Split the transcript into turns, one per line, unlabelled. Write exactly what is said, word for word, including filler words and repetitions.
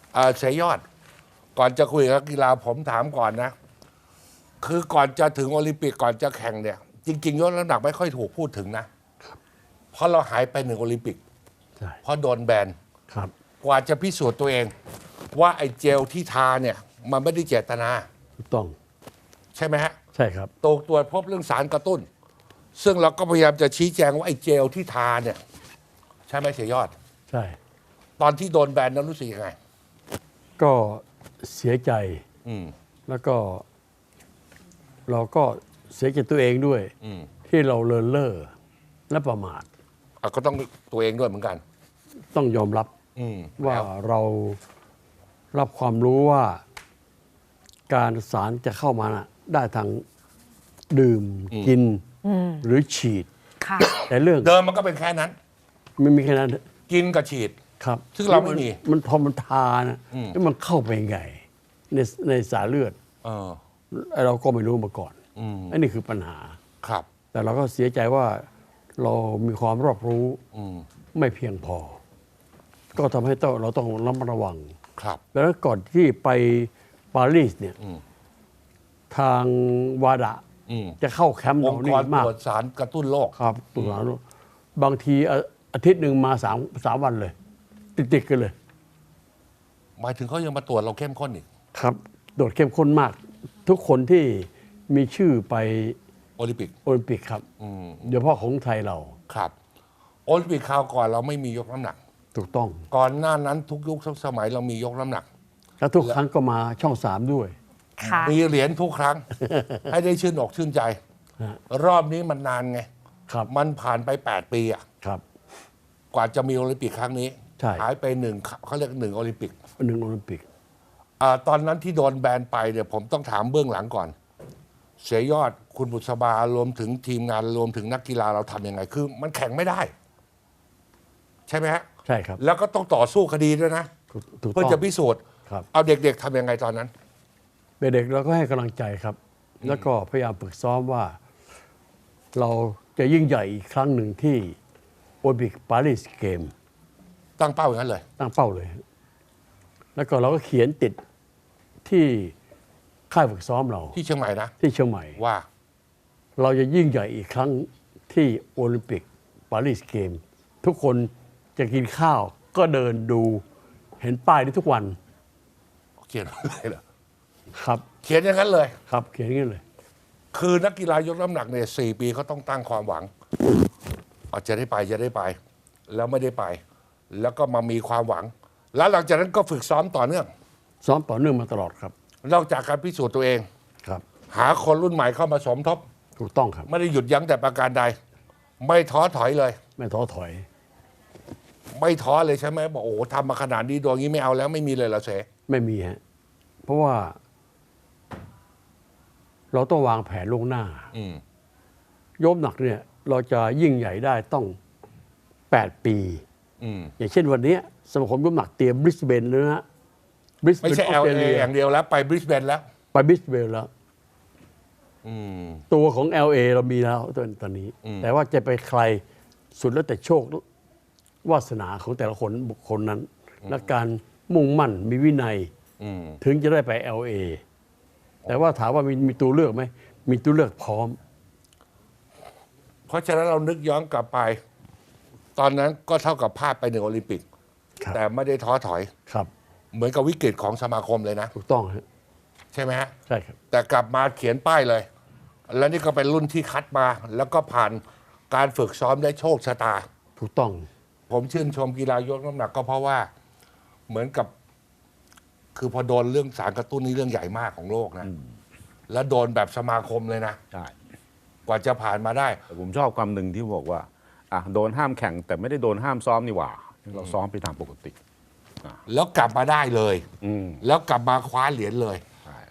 เอ่อเสยยอด ก่อนจะคุยกับนักกีฬาผมถามก่อนนะ คือก่อนจะถึงโอลิมปิกก่อนจะแข่งเนี่ย จริงๆยกน้ำหนักไม่ค่อยถูกพูดถึงนะ เพราะเราหายไปหนึ่งโอลิมปิก
ใช่
เพราะโดนแบน
ครับ
กว่าจะพิสูจน์ตัวเอง ว่าไอ้เจลที่ทาเนี่ย มันไม่ได้เจตนา
ถูกต้อง
ใช่ไหมฮะ
ใช่ครับ
ตรวจตรวจพบเรื่องสารกระตุ้น ซึ่งเราก็พยายามจะชี้แจงว่าไอ้เจลที่ทาเนี่ย ใช่ไหมเสียยอด
ใช่
ตอนที่โดนแบนนั้นรู้สึกยังไง
ก็เสียใจ
อืม
แล้วก็ เราก็เสียใจตัวเองด้วย
อืม
ที่เราเลินเล่อและประมาท
อ่ะก็ต้องตัวเองด้วยเหมือนกัน
ต้องยอมรับ
อืม
ว่า
แล้ว
เรารับความรู้ว่า การสารจะเข้ามาน่ะได้ทางดื่มกินหรือฉีด
ค่ะ
แต่เรื่อง
เดิมมันก็เป็นแค่นั้น
ไม่มีแค่นั้น
กินกับฉีด
ครับ
ซึ่งเราไม่มี
นมันพอมันทานะ
อืม
แล้วมันเข้าไปไงในในสายเลือด
เออ
เราก็ไม่รู้มาก่อน
อืม
อันนี้คือปัญหา
ครับ
แต่เราก็เสียใจว่าเรามีความรอบรู้
อืม
ไม่เพียงพอ ก็ทำให้ต้องเราต้องระมัดระวัง
ครับ
แล้วก่อนที่ไปปารีสเนี่ย
อืม
ทางวาดะ
อืม
จะเข้าแคมป์
อ
เรา
งค์ก
นี่
ร
มาก
ตรวจสารกระตุ้นโรค
ครับตุลาบางทีอาอาทิตย์หนึ่งมาสามสามวันเลย ติดๆกันเลย
หมายถึงเขายังมาตรวจเราเข้มข้นอีก
ครับ โดดเข้มข้นมาก ทุกคนที่มีชื่อไป
โอลิมปิก
โอลิมปิกครับ
อืม
โดยเฉพาะของไทยเรา
ครับ โอลิมปิกคราวก่อนเราไม่มียกน้ำหนัก
ถูกต้อง
ก่อนหน้านั้นทุกยุคทุกสมัยเรามียกน้ำหนัก
แล้วทุกครั้งก็มาช่องสามด้วย
ค่ะ
มีเหรียญทุกครั้ง ให้ได้ชื่นอกชื่นใจ
ฮะ
รอบนี้มันนานไง
ครับ
มันผ่านไปแปดปีอะ
ครับ
กว่าจะมีโอลิมปิกครั้งนี้
ใช่
หายไปหนึ่งเขาเรียกหนึ่งโอลิมปิก
หนึ่งโอลิมปิก
อาตอนนั้นที่โดนแบนไปเนี่ยผมต้องถามเบื้องหลังก่อน เสียยอดคุณบุษบารวมถึงทีมงานรวมถึงนักกีฬาเราทำยังไง คือ มันแข่งไม่ได้ ใช่ไหมฮะ
ใช่ครับ
แล้วก็ต้องต่อสู้คดีด้วยนะ
ถูกถูก
เพื่อ
ต้อง
จะพิสูจน์
ครับ
เอาเด็กๆทำยังไงตอนนั้น
เด็กๆเราก็ให้กำลังใจครับ แล้วก็พยายามฝึกซ้อมว่า เราจะยิ่งใหญ่อีกครั้งหนึ่งที่โอลิมปิกปารีสเกม
ตั้งเป้าอย่างนั้นเลย
ตั้งเป้าเลย แล้วก็เราก็เขียนติดที่ค่ายฝึกซ้อมเรา
ที่เชียงใหม่นะ
ที่เชียงใหม่
ว่า
เราจะยิ่งใหญ่อีกครั้งที่โอลิมปิกปารีสเกม ทุกคนจะกินข้าวก็เดินดูเห็นป้ายนี้ทุกวัน
เขียนอะไรเหรอ
ครับ
เขียนอย่างนั้นเลย
ครับเขียนอย่างนี้เลย
คือนักกีฬายกน้ำหนักเนี่ยสี่ปีเขาต้องตั้งความหวังอาจจะได้ไปจะได้ไป แล้วไม่ได้ไป แล้วก็มามีความหวัง แล้วหลังจากนั้นก็ฝึกซ้อมต่อเนื่อง
ซ้อมต่อเนื่องมาตลอดครับ
นอกจากการพิสูจน์ตัวเอง
ครับ
หาคนรุ่นใหม่เข้ามาสมทบ
ถูกต้องครับ
ไม่ได้หยุดยั้งแต่ประการใด ไม่ท้อถอยเลย
ไม่ท้อถอย
ไม่ท้อเลยใช่ไหมบอกโอ้โหทำมาขนาดนี้ดวงนี้ไม่เอาแล้วไม่มีเลยเหรอเส
ไม่มีฮะ เพราะว่า เราต้องวางแผนล่วงหน้า
อืม
ยกหนักเนี่ย เราจะยิ่งใหญ่ได้ต้องแปดปี
อืม
อย่างเช่นวันนี้สมาคมยกหนักเตรียมบริสเบนแล้วนะบริสเบ
ไม่
น
ใช่
อ
เอ
อส
ล
เตร
เอ
เลีย
อย่างเดียวแล้วไปบริสเบนแล้ว
ไปบริสเบนแล้ว
อืม
ตัวของ แอล เอ เรามีแล้วตอนตอนนี้
อืม
แต่ว่าจะไปใครสุดแล้วแต่โชควาสนาของแต่ละคนบุคคลนั้น และการมุ่งมั่นมีวินัย
อืม
ถึงจะได้ไป แอล เอ แต่ว่าถามว่ามีมีตัวเลือกไหม มีตัวเลือกพร้อม
เพราะฉะนั้นเรานึกย้อนกลับไป ตอนนั้นก็เท่ากับพลาดไปหนึ่งโอลิมปิก
ครับ
แต่ไม่ได้ท้อถอย
ครับ
เหมือนกับวิกฤตของสมาคมเลยนะ
ถูกต้องฮะ
ใช่ไหมฮะ
ใช่ครับ
แต่กลับมาเขียนป้ายเลย และนี่ก็เป็นรุ่นที่คัดมา แล้วก็ผ่านการฝึกซ้อมได้โชคชะตา
ถูกต้อง
ผมชื่นชมกีฬายกน้ำหนักก็เพราะว่าเหมือนกับ คือพอโดนเรื่องสารกระตุ้นนี่เรื่องใหญ่มากของโลกนะ แล้วโดนแบบสมาคมเลยนะ
ใช่
กว่าจะผ่านมาได้
แต่ผมชอบความหนึ่งที่บอกว่าอ่ะโดนห้ามแข่ง แต่ไม่ได้โดนห้ามซ้อมนี่หว่า เราซ้อมไปตามปกติ
แล้วกลับมาได้เลย
อืม
แล้วกลับมาคว้าเหรียญเลย